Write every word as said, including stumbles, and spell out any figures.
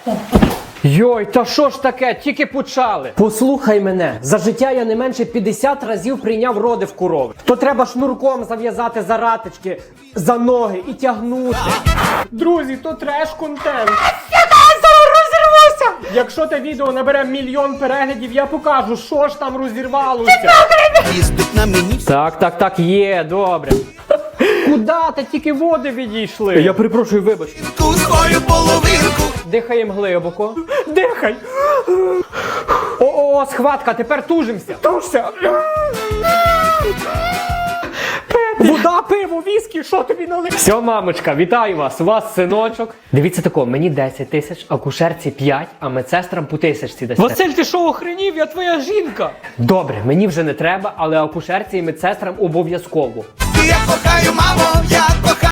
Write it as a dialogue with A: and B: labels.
A: Йой, та що ж таке? Тільки почали. Послухай мене, за життя я не менше п'ятдесят разів прийняв роди в корови. То треба шнурком зав'язати за ратички, за ноги і тягнути. Друзі, то треш-контент. Якщо те відео набере мільйон переглядів, я покажу, що ж там розірвалося. Так, так, так, є, добре. Куда? Та тільки води відійшли. Я перепрошую, вибач.
B: Свою половинку.
A: Дихаємо глибоко. Дихай. О-о, схватка, тепер тужимося. Тужся. Вода, пиво, віскі, що тобі налив? Все, мамочка, вітаю вас, у вас синочок. Дивіться тако, мені десять тисяч, акушерці п'ять, а медсестрам по тисячці десять. Василь, ти що, охренів? Я твоя жінка. Добре, мені вже не треба, але акушерці і медсестрам обов'язково.
B: Я кохаю, мамо, я кохаю.